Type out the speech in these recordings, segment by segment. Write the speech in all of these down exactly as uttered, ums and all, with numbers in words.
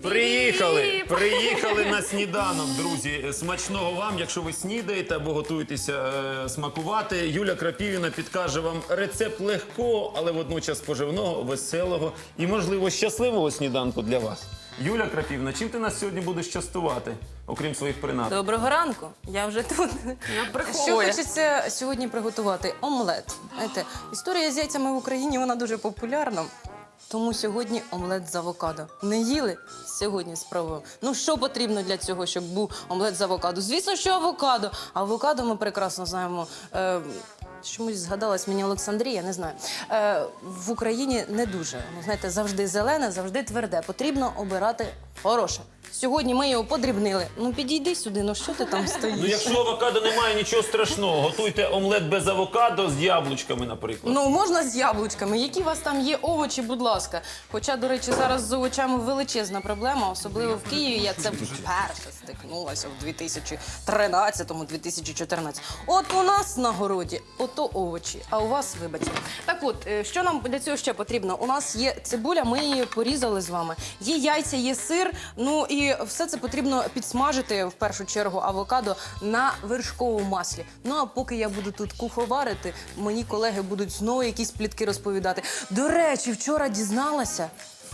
Приїхали, приїхали на сніданок, друзі. Смачного вам, якщо ви снідаєте або готуєтеся е, смакувати. Юля Крапівіна підкаже вам рецепт легкого, але водночас поживного, веселого і, можливо, щасливого сніданку для вас. Юля Крапівна, чим ти нас сьогодні будеш частувати, окрім своїх принад? Доброго ранку, я вже тут. Що хочеться сьогодні приготувати? Омлет. Знаєте, історія з яйцями в Україні, вона дуже популярна. Тому сьогодні омлет з авокадо. Не їли? Сьогодні спробуємо. Ну, що потрібно для цього, щоб був омлет з авокадо? Звісно, що авокадо. Авокадо ми прекрасно знаємо. Е, чомусь згадалась мені Олександрія, не знаю. Е, в Україні не дуже. Ну, знаєте, завжди зелене, завжди тверде. Потрібно обирати хороше. Сьогодні ми його подрібнили. Ну, підійди сюди, ну що ти там стоїш? Ну, якщо авокадо немає, нічого страшного. Готуйте омлет без авокадо з яблучками, наприклад. Ну, можна з яблучками. Які у вас там є овочі, будь ласка. Хоча, до речі, зараз з овочами величезна проблема, особливо в Києві. Я це вперше стикнулася в дві тисячі тринадцятому - дві тисячі чотирнадцятому. От у нас на городі ото овочі, а у вас, вибачте. Так от, е, що нам для цього ще потрібно? У нас є цибуля, ми її порізали з вами. Є яйця, є сир, ну і все це потрібно підсмажити, в першу чергу, авокадо на вершковому маслі. Ну, а поки я буду тут куховарити, мені колеги будуть знову якісь плітки розповідати. До речі, вчора дізналася.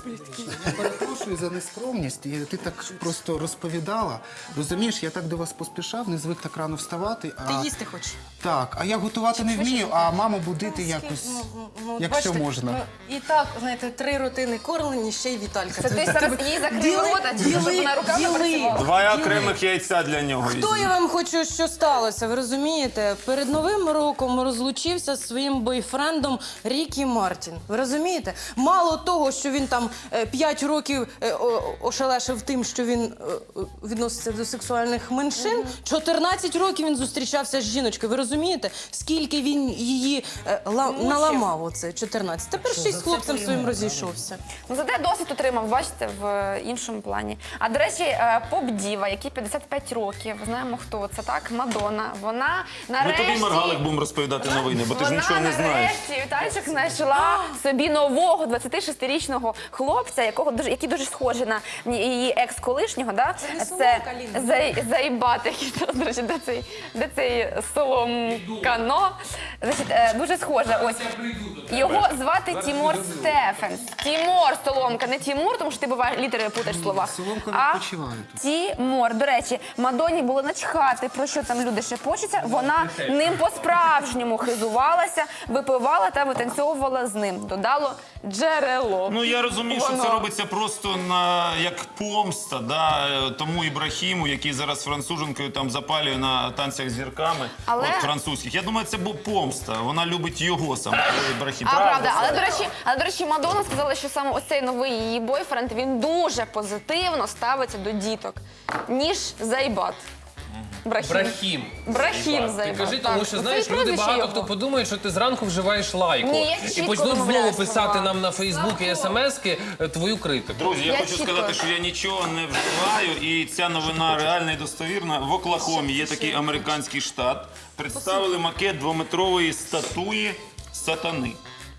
Я перепрошую за нескромність. І ти так просто розповідала. Розумієш, я так до вас поспішав, не звик так рано вставати. А... Ти їсти хочеш? Так, а я готувати не вмію, а маму будити якось, Ну, ну, якщо бачите, можна. Ну, і так, знаєте, три рутини кормлені, ще й Віталька. Це ти зараз їй закрив рота, чи щоб вона руками працювала? Два окремих яйця для нього Хто візьміть. я вам хочу, що сталося, ви розумієте? Перед Новим роком розлучився зі своїм бойфрендом Рікі Мартін. Ви розумієте? Мало того, що він там е, п'ять років е, о- ошелешив тим, що він е, відноситься до сексуальних меншин, чотирнадцять років він зустрічався з жіночкою. Ви розумієте? Скільки він її е, ла- наламав оце, чотирнадцять. Тепер ще й з хлопцем своїм розійшовся. Ну, зате досвід отримав, бачите, в е, іншому плані. А, до речі, е, поп-діва, якій п'ятдесят п'ять років, знаємо, хто це, так? Мадонна. Вона Ми нарешті... тобі, Маргалик, будемо розповідати новини, бо ти ж нічого не знаєш. Вона нарешті, Вітальчик, знайшла собі нового двадцятишестирічного хлопця, якого дуже, який дуже схожий на її екс-колишнього, да? Це не Це Соломка, Ліна. Зай, Зайбат, який, до речі, де цей, де цей Соломкано. Значить, е, дуже схоже. Ось. Його звати Тімур Стефенс. Тімур Соломка, не Тімур, тому що ти буває літери путаєш в словах. Соломка А відпочиває тут. Тімур. До речі, Мадонні було начхати, про що там люди шепочуться. Вона ним по-справжньому хизувалася, випивала та витанцьовувала з ним. Додало джерело. Ну, я розумію, що Воно. це робиться просто на, як помста, да, е, тому Ібрахіму, який зараз француженкою там запалює на танцях з зірками, Але- от французьких. Я думаю, це був помста. Вона любить його сам, Ібрахім. А, правда, але, Сара? до речі, але, до речі, Мадонна сказала, що саме оцей новий її бойфренд, він дуже позитивно ставиться до діток, ніж Зайбат. Брахім. Брахім. Брахім Ти Зайбат. кажи, так. тому що, Ну, знаєш, це люди прізвище багато його. хто подумає, що ти зранку вживаєш лайку. Ні, я І чітко почнуть вимовляю знову писати слова. нам на Фейсбук і смски твою критику. Друзі, я, Я хочу чітко. сказати, що я нічого не вживаю, і ця новина реальна і достовірна. В Оклахомі є такий американський штат. Представили макет двометрової статуї сатани.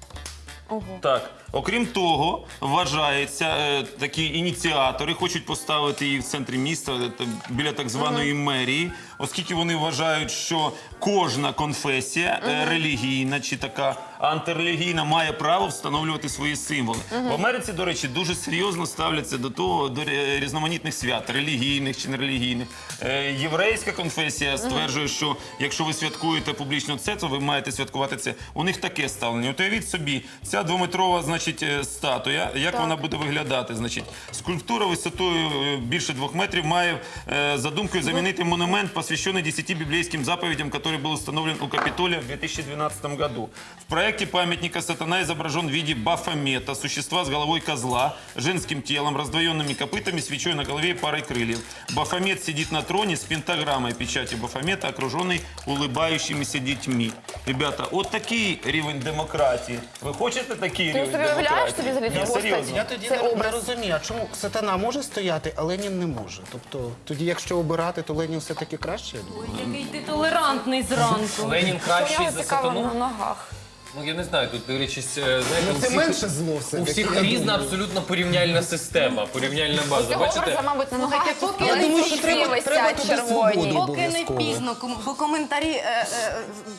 Так. Окрім того, вважається, е, такі ініціатори хочуть поставити її в центрі міста, е, та- біля так званої мерії, оскільки вони вважають, що кожна конфесія е, релігійна чи така антирелігійна має право встановлювати свої символи. В Америці, до речі, дуже серйозно ставляться до того, до ре- різноманітних свят, релігійних чи нерелігійних. Е, Єврейська конфесія стверджує, що якщо ви святкуєте публічно це, то ви маєте святкувати це. У них таке ставлення. От уявіть собі, ця двометрова, значить, е, статуя, як вона буде виглядати? Значить, скульптура висотою е, більше двох метрів має е, за думкою замінити монумент, посвященный десяти библейским заповедям, который был установлен у Капитолия в две тысячи двенадцатом году. В проекте памятника сатана изображен в виде Бафомета, существа с головой козла, женским телом, раздвоенными копытами, свечой на голове и парой крыльев. Бафомет сидит на троне с пентаграммой печати Бафомета, окруженный улыбающимися детьми. Ребята, от такий рівень демократії. Ви хочете такий Ти рівень собі уявляєш демократії? собі взагалі Ні, таку серйозно. постать? Я тоді Це не, не образ. розумію, а чому сатана може стояти, а Ленін не може? Тобто, тоді, якщо обирати, то Ленін все-таки краще, я думаю. Який ти толерантний зранку. Ленін Що в кращий нього за цікаво на сатану. ногах? Ну я не знаю, тут дивлячись, е, знаєте, Ну, у це всіх, менше зло у все-таки, всіх я різна думаю. абсолютно порівняльна система, порівняльна база. Цього Бачите? образу, мабуть, на ногах Слухайте, поки- але Я думаю, що ці треба- висять треба туди червоні. свободу. Поки не Обов'язково. пізно, ком- бо коментарі, е, е,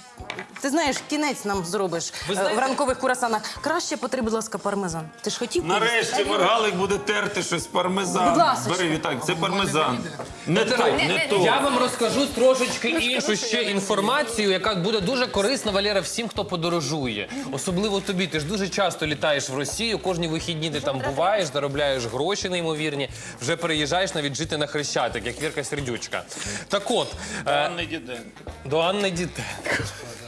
ти знаєш, кінець нам зробиш Ви е, знаєте- в ранкових курасанах. Краще потри, будь ласка, пармезан. Ти ж хотів? Нарешті Маргалик буде терти щось пармезан. Будь ласка. Бери, Віталій, це пармезан. Не то, Натирай. не то. Я вам розкажу трошечки іншу ще інформацію, яка буде дуже корисна, Валера, всім, хто подорожує. Особливо тобі. Ти ж дуже часто літаєш в Росію, кожні вихідні ти там буваєш, заробляєш гроші неймовірні, вже переїжджаєш навіть жити на Хрещатик, як Вірка Сердючка. Так от, е, Анни Діденко. до Анни Дітенко.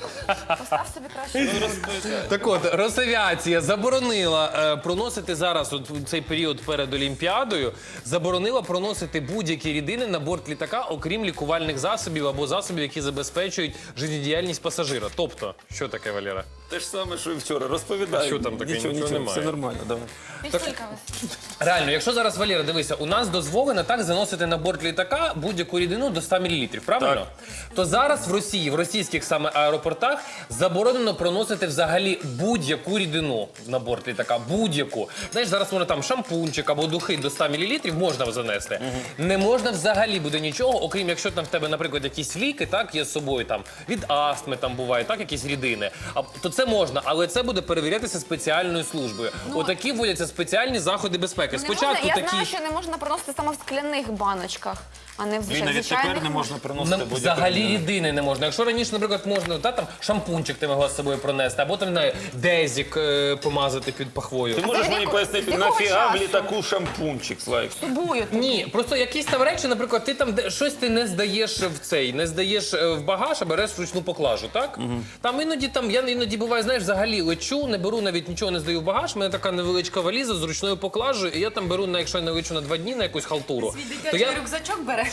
Постав собі краще. Так от, Росавіація заборонила е, проносити зараз, от в цей період перед Олімпіадою, заборонила проносити будь-які рідини на борт літака, окрім лікувальних засобів або засобів, які забезпечують життєдіяльність пасажира. Тобто, що таке, Валера? Те ж саме, що і вчора. Розповідай. Що там таке? Нічого, Нічого нічого, немає. все нормально, давай. Пістілька вас. Реально, якщо зараз, Валера, дивися, у нас дозволено так заносити на борт літака будь-яку рідину до ста мілілітрів, правильно? То зараз в Росії, в російських саме аеропортах заборонено проносити взагалі будь-яку рідину на борт літака. Будь-яку. Знаєш, зараз можна там шампунчик або духи до ста мілілітрів можна занести. Не можна взагалі буде нічого, окрім якщо там в тебе, наприклад, якісь ліки, так, є з собою, там, від астми там буває, так, якісь рідини. А, то це можна, але це буде перевірятися спеціальною службою. Отакі вводяться спеціальні заходи безпеки. Не Спочатку можна, я такі... знаю, що не можна проносити саме в скляних баночках, а не в Він навіть звичайних. тепер не можна приносити Нам будь-яку взагалі рідину. рідини не можна. Якщо раніше, наприклад, можна, та, там, шампунчик ти могла з собою пронести, або там, не знаю, дезік е, помазати під пахвою. Ти можеш з мені якого- пояснити, з якого нафіга в часу? літаку шампунчик, Слайк? Тобою. Ні, просто якісь там речі, наприклад, ти там де- щось ти не здаєш в цей, не здаєш е, в багаж, а береш вручну поклажу, так? Там іноді там, я іноді буває, знаєш, взагалі лечу, не беру, навіть нічого не здаю в багаж, в мене така невеличка валіза з ручною поклажею, і я там беру, на, якщо я не лечу на два дні, на якусь халтуру. Свій То я... дитячий рюкзачок береш.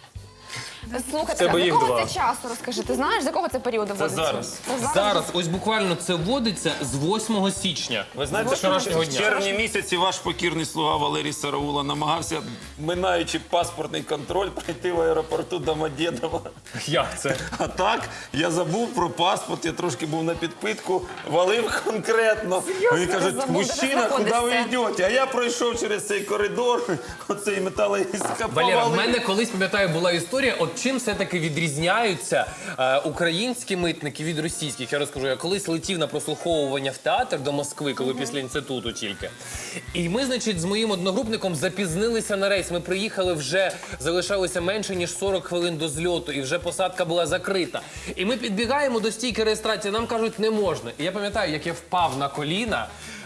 Слухайте, тебе з їх якого два. це часу, розкажи? Ти знаєш, з якого це періоду вводиться? зараз. Це Зараз, ось буквально це вводиться з восьмого січня. Ви знаєте, що вчорашнього в дня. червні місяці ваш покірний слуга Валерій Сараула намагався, минаючи паспортний контроль, прийти в аеропорту Домодєдова. Як це? А так, я забув про паспорт, я трошки був на підпитку, валив конкретно. Вони кажуть, забув, де мужчина, ти куди ви знаходишся?» йдете? А я пройшов через цей коридор, оцей металоіска Валера, в повалив. мене колись, пам'ятаю, була історія, от чим все-таки відрізняються е, українські митники від російських. Я розкажу, я колись летів на прослуховування в театр до Москви, коли після інституту тільки. І ми, значить, з моїм одногрупником запізнилися на рейс. Ми приїхали вже, залишалося менше, ніж сорок хвилин до зльоту, і вже посадка була закрита. І ми підбігаємо до стійки реєстрації, нам кажуть, не можна. І я пам'ятаю, як я впав на коліна,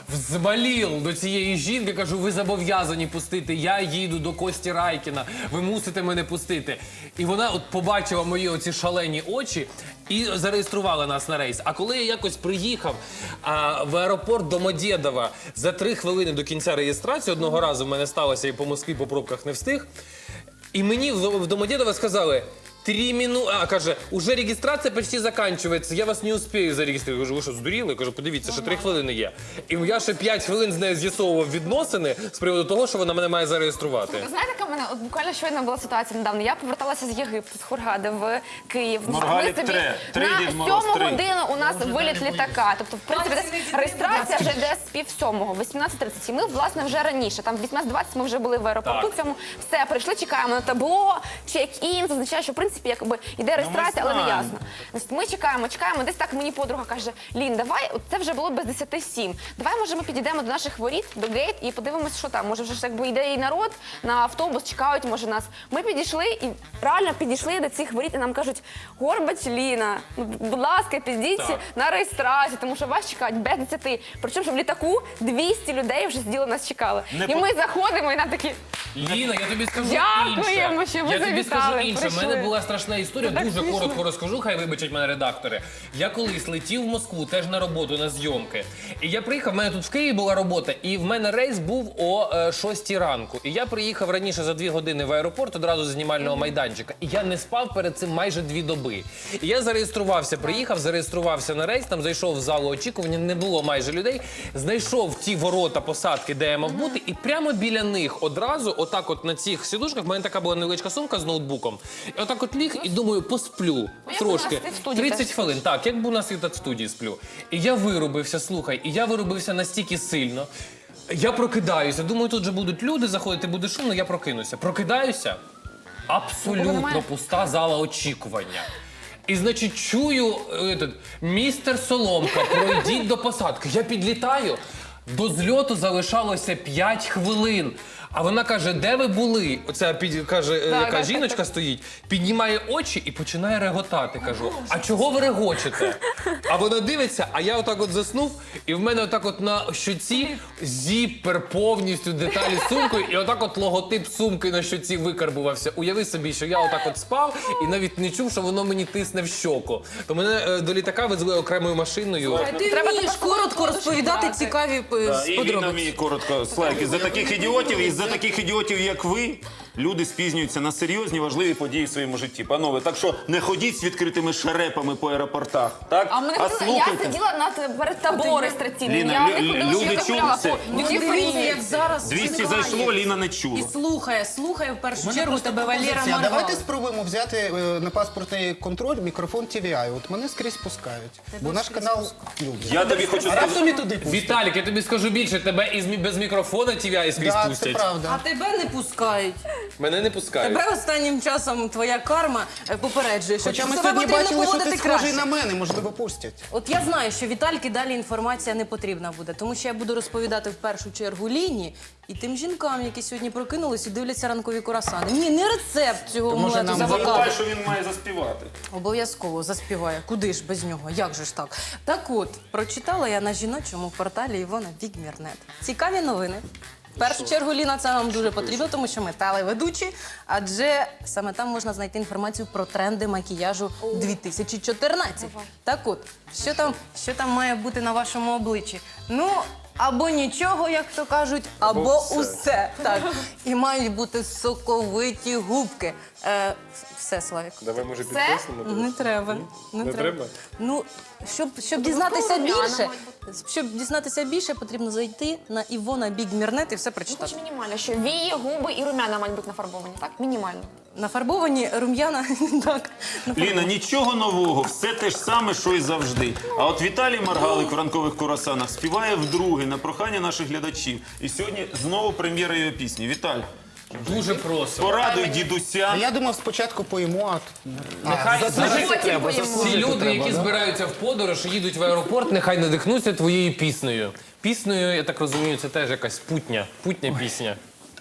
взмалів до цієї жінки, кажу, ви зобов'язані пустити, я їду до Кості Райкіна, ви мусите мене пустити. І вона от побачила мої оці шалені очі і зареєструвала нас на рейс. А коли я якось приїхав а, в аеропорт Домодєдова за три хвилини до кінця реєстрації, одного разу в мене сталося і по Москві по пробках не встиг, і мені в, в Домодєдово сказали, Три минути, а, каже, уже реєстрація почти закінчується, я вас не успію зареєструвати. Я кажу, ви що, здуріли? Я кажу, подивіться, ще три хвилини є. І я ще п'ять хвилин з нею з'ясовував відносини з приводу того, що вона мене має зареєструвати. Ви знаєте, яка в мене от буквально щойно була ситуація недавно. Я поверталася з Єгипту, з Хургади в Київ. Маргалік Ми собі тре. Три на Дід Мороз, сьому три. годину у нас виліт літака. Тобто, в принципі, десь реєстрація вже йде з пів сьомого, вісімнадцять тридцять. І ми, власне, вже раніше. Там в вісімнадцять двадцять ми вже були в аеропорту Так. цьому. Все, прийшли, чекаємо на табло, чек-ін. Це означає, що, в принципі, якби йде реєстрація, але не знаємо. ясно. Значить, ми чекаємо, чекаємо. Десь так мені подруга каже, Лін, давай, от це вже було без десяти сім. Давай, може, ми підійдемо до наших воріт, до гейт і подивимося, що там. Може, вже ж якби йде і народ на автобус, чекають, може, нас. Ми підійшли і реально підійшли до цих воріт, і нам кажуть, Горбач Ліна, ну, будь ласка, підійдіть Так. на реєстрацію, тому що вас чекають без десяти. Причому, що в літаку двісті людей вже сиділи, нас чекали. Не і по- ми заходимо, і нам такі, Ліна, я тобі скажу Дякуємо, інше. що ви Я тобі завітали, скажу інше. У прийшли. мене була страшна історія, Це так дуже смішно. коротко розкажу, хай вибачать мене редактори. Я колись летів в Москву, теж на роботу, на зйомки. І я приїхав, в мене тут в Києві була робота, і в мене рейс був о е, шостій ранку. І я приїхав раніше за дві години в аеропорт, одразу з знімального майданчика. І я не спав перед цим майже дві доби. І я зареєструвався, приїхав, зареєструвався на рейс, там зайшов в залу очікування, не було майже людей. Знайшов ті ворота посадки, де я мав бути, і прямо біля них одразу отак от на цих сідушках, в мене така була невеличка сумка з ноутбуком. І отак от ліг і думаю, посплю як трошки. у нас і в студії тридцять теж. хвилин, так, як би у нас і так в студії сплю. І я вирубився, слухай, і я вирубився настільки сильно. Я прокидаюся, думаю, тут же будуть люди заходити, буде шумно, я прокинуся. Прокидаюся, абсолютно немає. пуста зала очікування. І, значить, чую, этот, містер Соломка, пройдіть до посадки. Я підлітаю, до зльоту залишалося п'ять хвилин. А вона каже, де ви були? Оця під, каже, е, яка так, жіночка так. стоїть, піднімає очі і починає реготати. Кажу, а чого ви регочете? А вона дивиться, а я отак от заснув, і в мене отак от на щоці зіпер повністю деталі з сумкою, і отак от логотип сумки на щоці викарбувався. Уяви собі, що я отак от спав і навіть не чув, що воно мені тисне в щоку. То мене е, до літака везли окремою машиною. Ти Треба вмієш таку коротко подушку розповідати брати. цікаві е, Да, і він подробиці. вміє коротко. Слайки, за таких ідіотів і за таких ідіотів, як ви, люди спізнюються на серйозні, важливі події в своєму житті. Панове, так що не ходіть з відкритими шерепами по аеропортах, так? А мене хотіли, я сиділа над перед тобою реєстраційним. Ліна, Я лю- не ходила, люди що я чули гуляла це? по Ну, duty дивіться, free. як зараз двісті чекає. зайшло, Ліна не І чула. слухає, слухає в першу Мене чергу просто тебе Валера пропозиція. Маргал. Давайте спробуємо взяти е, на паспортний контроль мікрофон Ті Ві Ай. От мене скрізь пускають. Бо наш канал любить. Я тобі хочу А сказати. раптом і туди пустять. Віталік, я тобі скажу більше, тебе із мі- без мікрофона ті ві ай скрізь Да, це пустять. А правда. тебе не пускають. Мене не пускають. Тебе останнім часом твоя карма е, попереджує, що Хоча ми себе сьогодні потрібно бачили, що ти поводити схожий краще. на мене, можливо, пустять. От я знаю, що Вітальки далі інформація не потрібна буде, тому що я буду розповідати в першу чергу Ліні і тим жінкам, які сьогодні прокинулись і дивляться ранкові курасани. Ні, не рецепт цього То, може, омлету з нам авокадо. Забувай, що він має заспівати. Обов'язково заспіває. Куди ж без нього? Як же ж так? Так от, прочитала я на жіночому порталі Івона Бігмірнет. Цікаві новини. В першу чергу, Ліна, це вам дуже потрібно, тому що ми телеведучі, адже саме там можна знайти інформацію про тренди макіяжу дві тисячі чотирнадцять. Так от, що там, що там має бути на вашому обличчі? Ну, або нічого, як то кажуть, або усе. Так. І мають бути соковиті губки. Е, все, Славік. Давай, може, Це? Не треба. Не, Не треба? Ну, щоб, щоб дізнатися румяна більше, мають щоб дізнатися більше, потрібно зайти на Івона Бігмірнет і все прочитати. Хоч мінімально, що вії, губи і румяна мають бути нафарбовані, так? Мінімально. Нафарбовані рум'яна, так. Ліна, нічого нового, все те ж саме, що й завжди. А от Віталій Маргалик в ранкових курасанах співає вдруге на прохання наших глядачів. І сьогодні знову прем'єра його пісні. Віталь, Дуже просимо. порадуй дідуся. А я думав, спочатку поїмо, а тут... Нехай А, заслужити потім треба, поїмо. Всі заслужити люди, треба, які да? збираються в подорож і їдуть в аеропорт, нехай надихнуться твоєю піснею. Піснею, я так розумію, це теж якась путня, путня пісня.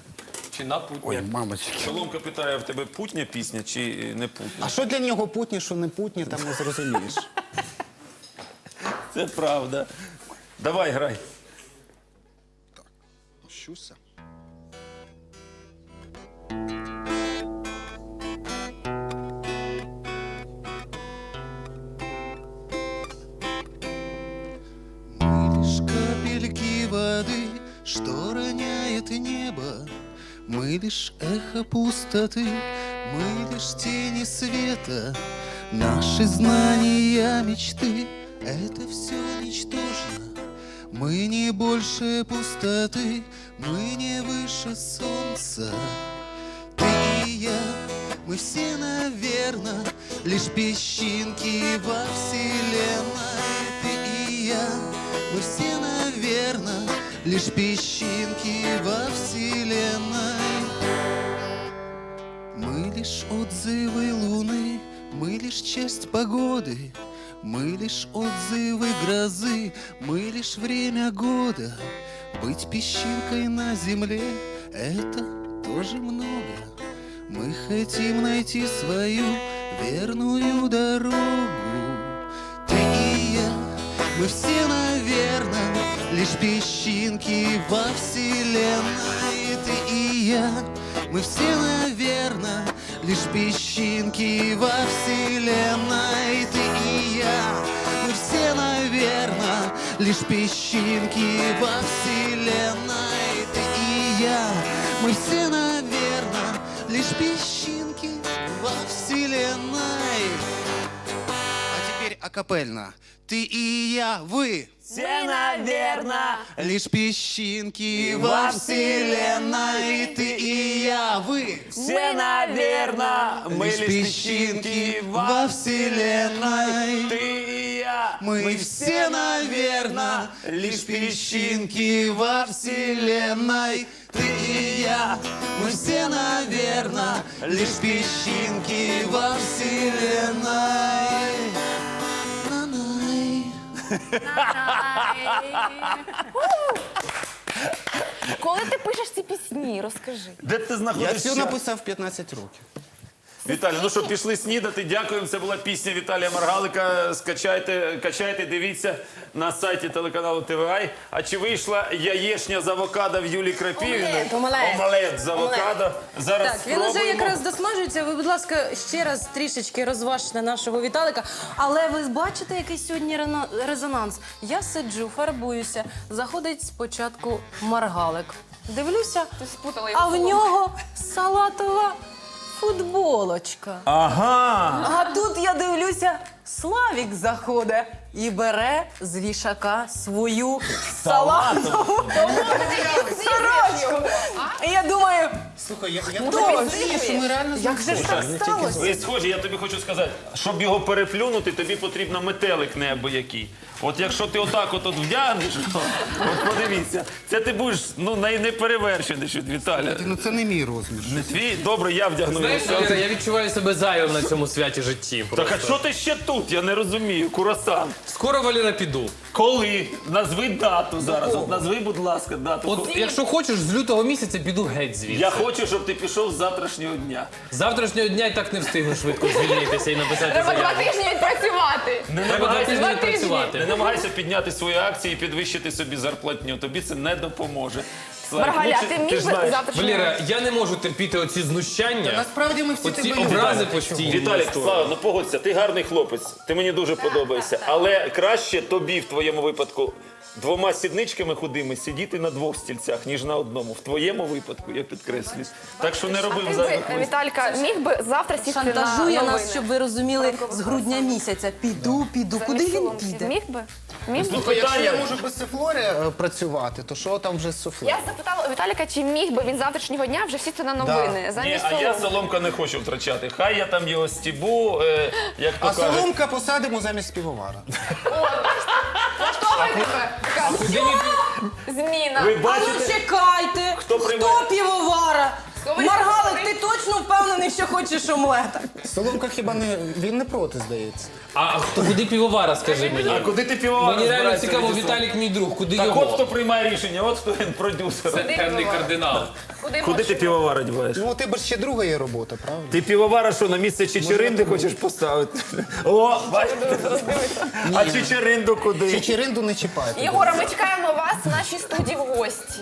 Чи на путня? Ой, мамочки. Соломка питає, в тебе путня пісня чи не путня? А що для нього путні, що не путні, там не зрозумієш. Це правда. Давай, грай. Щуся. Мы лишь капельки воды, что роняет небо. Мы лишь эхо пустоты, мы лишь тени света. Наши знания, мечты — это все ничтожно. Мы не больше пустоты, мы не выше солнца. Ты и я, мы все, наверно, лишь песчинки во вселенной. Ты и я, мы все, наверно, лишь песчинки во вселенной. Мы лишь отзывы луны, мы лишь часть погоды. Мы лишь отзывы грозы, мы лишь время года. Быть песчинкой на земле — это тоже много. Мы хотим найти свою верную дорогу. Ты и я, мы все, наверно, лишь песчинки во вселенной. Ты и я, мы все, наверно, лишь песчинки во вселенной. Ты и я, мы все, наверно, лишь песчинки во вселенной. Ты и я, мы все, наверно, лишь песчинки во вселенной. А теперь акапельно. Ты и я, вы. Все, наверно, Лишь песчинки во вселенной. Ты и я, вы. Все, наверно, мы лишь песчинки во вселенной. Ты и я. Мы все, наверное, лишь песчинки во вселенной. Ты и я, мы все, наверное, лишь песчинки во вселенной. На-най. Коли ти пишеш ці пісні, розкажи. Де ти Я знаходиш все час? написав в п'ятнадцять років. Віталій, ну що, пішли снідати. Дякуємо. Це була пісня Віталія Маргалика. Скачайте, качайте, дивіться на сайті телеканалу Т В А. А чи вийшла яєчня з авокадо в Юлії Крапівіної? Омлет, омлет. Омлет з авокадо. Зараз Так, він уже спробуємо. якраз досмажується. Ви, будь ласка, ще раз трішечки розважте нашого Віталика. Але ви бачите, який сьогодні рена- резонанс? Я сиджу, фарбуюся. Заходить спочатку Маргалик. Дивлюся, Ти спутала його а в соломку. нього салатова футболочка. Ага. А тут я дивлюся, Славік заходить і бере з вішака свою салатову сорочку. І я думаю, Слухай, я, я розумію, що ми реально як же ж так сталося? Ви схожі, я тобі хочу сказати, щоб його переплюнути, тобі потрібно метелик неабиякий. От якщо ти отак от, от вдягнеш, от подивіться, це ти будеш ну, най- неперевершений від Віталя. Ну це не мій розмір. Не твій? Добре, я вдягну його. Знаєш, Валера, я відчуваю себе зайвим на цьому святі житті. Так просто. а що ти ще тут? Я не розумію. Курасан. Скоро, Валера, піду. Коли? Назви дату зараз. От назви, будь ласка, дату. От якщо хочеш, з лютого місяця піду геть звідси. Я хочу, щоб ти пішов з завтрашнього дня. З завтрашнього дня і так не встигну швидко звільнитися і написати Треба два заяву. тижні відпрацювати. Не Треба два намагайся, тижні Два тижні. не працювати. намагайся підняти свої акції і підвищити собі зарплатню. Тобі це не допоможе. Слайк, Маргаля, ну, ти ж міг би знаєш. завтра... Валера, я не можу терпіти оці знущання, Насправді ми всі оці тебе образи любимо. постійні. Віталік, Слава, ну погодься, ти гарний хлопець, ти мені дуже подобаєшся. Але краще тобі в твоєму випадку двома сідничками худими сидіти на двох стільцях, ніж на одному. В твоєму випадку, я підкреслюю. Так що не роби Ти зайвих би, висновків. Віталька, міг би завтра сісти на Шантажує новини? нас, щоб ви розуміли, з грудня місяця. Піду, піду. Куди він піде? Міг би? Міг би? Слухай, якщо я Питання. можу без суфлорі е, працювати, то що там вже з суфле? Я запитала у Віталіка, чи міг би він завтрашнього дня вже сісти на новини Ні, замість а я соломки. соломка не хочу втрачати. Хай я там його стібу, е, як то А кажуть. соломка посадимо замість півовара. Влаштовує тебе така Куди він- зміна. Ви А ну бачите? чекайте, Хто хто, приймає? півовара? Хто ви Маргалик, такі? ти точно впевнений, що хочеш омлета? Соломка хіба не він не проти, здається. А хто куди півовара, скажи А мені? куди ти півовара Мені реально збираєшся цікаво, відіслати? Віталік мій друг, куди Так от його? хто приймає рішення, от хто він продюсер. Це темний кардинал. Куди, Куди можеш? ти півовара діваєш? Ну, у тебе ж ще друга є робота, правда? Ти півовара що, на місце Чечеринди хочеш поставити? О, бачите? А Чечеринду куди? Чечеринду не чіпайте. Єгора, ми чекаємо вас в нашій студії в гості.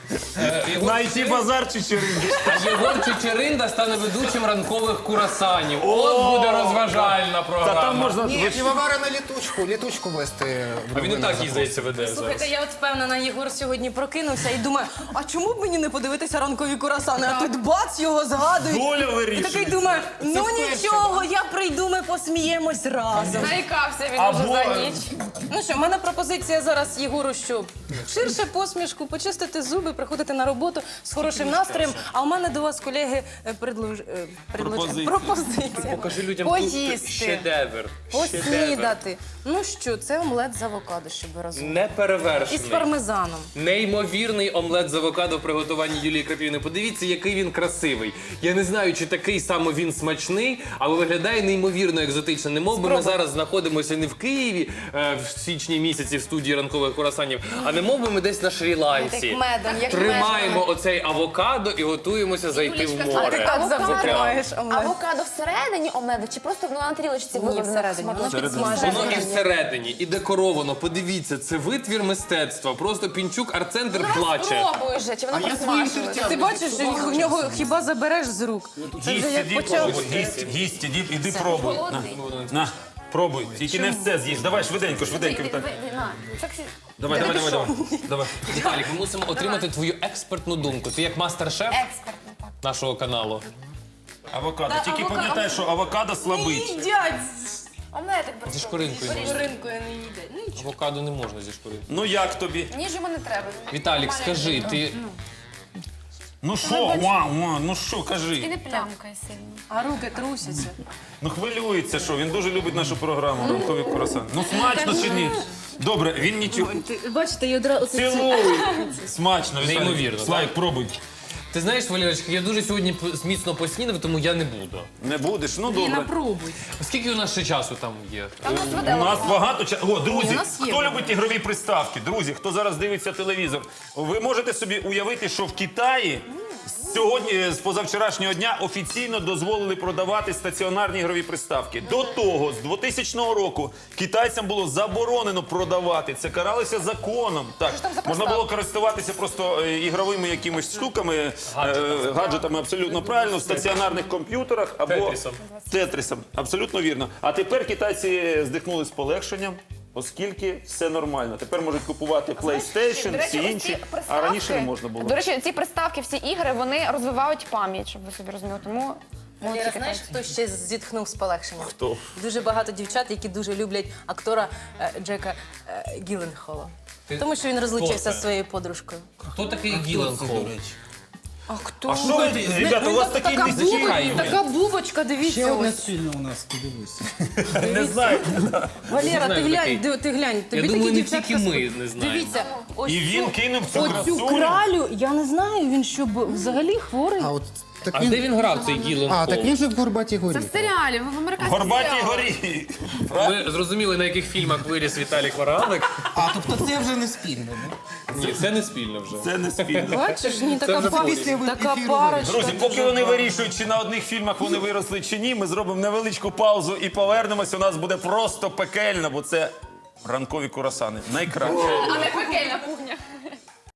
На ай ті-базар Чечеринди. А Єгор Чечеринда стане ведучим ранкових курасанів. От буде розважальна Та програма. там можна... Ні, ви ж- півовара на літучку, літучку вести. в А він і новини так їй, запросить. здається, веде зараз. Слухайте, я от впевнена, Єгор сьогодні прокинувся і думає, а чому б мені не подивитися ранкові курасани? А тут бац, його згадують. Доля І вирішує. такий думає, ну нічого, я прийду, ми посміємось разом. Заїкався він Або- уже за ніч. Ну що, в мене пропозиція зараз Єгору, що ширше посмішку, почистити зуби, приходити на роботу з хорошим настроєм. А у мене до вас, колеги, е, предлож... е, предлож- Пропозиція. пропозиція. Покажи людям Поїсти. тут шедевр. Шедевр. Поснідати. Ну що, це омлет з авокадо, щоб ви розуміли. І з Неперевершений. пармезаном. Неймовірний омлет з авокадо в приготуванні Юлії Крапівни. Подивіться, який він красивий. Я не знаю, чи такий саме він смачний, але виглядає неймовірно екзотично. Не мов би ми зараз знаходимося не в Києві е, в січні місяці в студії ранкових курасанів, а не мов би ми десь на Шрі-Ланці. Як медом, як Тримаємо оцей авокадо і готуємося зайти в Юлічка, а ти море. Так завжди Авокадо. тримаєш омлет. Авокадо всередині омлету чи просто воно на тарілочці Ні, виложено? всередині, воно Воно підсмажене. і всередині, і декоровано. Подивіться, це витвір мистецтва. Просто Пінчук арт-центр плаче. Спробуй же, чи воно А я просмажилось? твоїм Ти бачиш, що в нього хіба забереш з рук? Це вже Гість, як іди почав. пробуй. Гість, гість, іди, іди пробуй. На, на, пробуй. Тільки не все з'їж. Давай швиденько, швиденько. Так. Давай, давай, давай, давай. Давай. Віталік, ми мусимо отримати твою експертну думку. Ти як мастер-шеф Експертно, так. нашого каналу. Авокадо. Тільки авокадо- пам'ятай, що авокадо слабить. Їдять! Омлетик Зі просто. шкоринкою можна. Ринкою не їдять. Ну, нічого. Авокадо не можна зі шкоринкою. Ну як тобі? Ніж йому не треба. Віталік, скажи, ти Ну що, вау, вау, ну що, І кажи. не плямкає сильно. А руки трусяться. Ну хвилюється, що він дуже любить нашу програму «Ранкові курасани». Ну смачно чи ні? Добре, він нічого. Бачите, я одразу... Цілуй! Смачно, Віталій. Неймовірно, Слайк, пробуй. Ти знаєш, Валерочка, я дуже сьогодні п- міцно поснідав, тому я не буду. Не будеш? Ну І добре. напробуй. Скільки у нас ще часу там є? Там нас У веде. нас багато часу. О, друзі, Ні, у нас є. хто любить ігрові приставки? Друзі, хто зараз дивиться телевізор, ви можете собі уявити, що в Китаї сьогодні, з позавчорашнього дня, офіційно дозволили продавати стаціонарні ігрові приставки. До того, з двохтисячного року, китайцям було заборонено продавати. Це каралося законом. Так, можна було користуватися просто е, ігровими якимись штуками, е, гаджетами, абсолютно правильно, в стаціонарних комп'ютерах або Тетрісом. Тетрісом. Абсолютно вірно. А тепер китайці здихнули з полегшенням, оскільки все нормально. Тепер можуть купувати PlayStation, До речі, всі ось ці інші, а приставки- раніше не можна було. До речі, ці приставки, всі ігри, вони розвивають пам'ять, щоб ви собі розуміли. Тому молодці Лера, знаєш, китайці. хто ще зітхнув з полегшенням? Хто? Дуже багато дівчат, які дуже люблять актора е, Джека е, Гіленхола. Ти- Тому що він Хто розлучився це? зі своєю подружкою. Хто такий Гіленхол? А хто? А що ви, ребята, у вас Він такі така місця? бубочка, така бубочка, Ще дивіться одна ось. спільна у нас, подивися. Не знаю. Валера, знаю, ти глянь, такий. ди- ти глянь, тобі думаю, такі не дівчатка... тільки ми спо- не знаємо. Дивіться, ось І він цю- кинув цю оцю красуню. кралю, я не знаю, він що, б- взагалі хворий? А от так А він... де він грав цей Гіленхол? А, так він же в Горбатій горі. Це в серіалі, в американському Горбатій серіалі. горі. Ви зрозуміли, на яких фільмах виріс Віталій Вараник? А, тобто це вже не спільно, не? Ні, це не спільно вже. Це не спільно. Бачиш, ні, така, вже пар... після така ефіру парочка. Друзі, поки вони вирішують, чи на одних фільмах вони виросли, чи ні, ми зробимо невеличку паузу і повернемось. У нас буде просто пекельно, бо це ранкові курасани. Найкраще. А не пекельна кухня.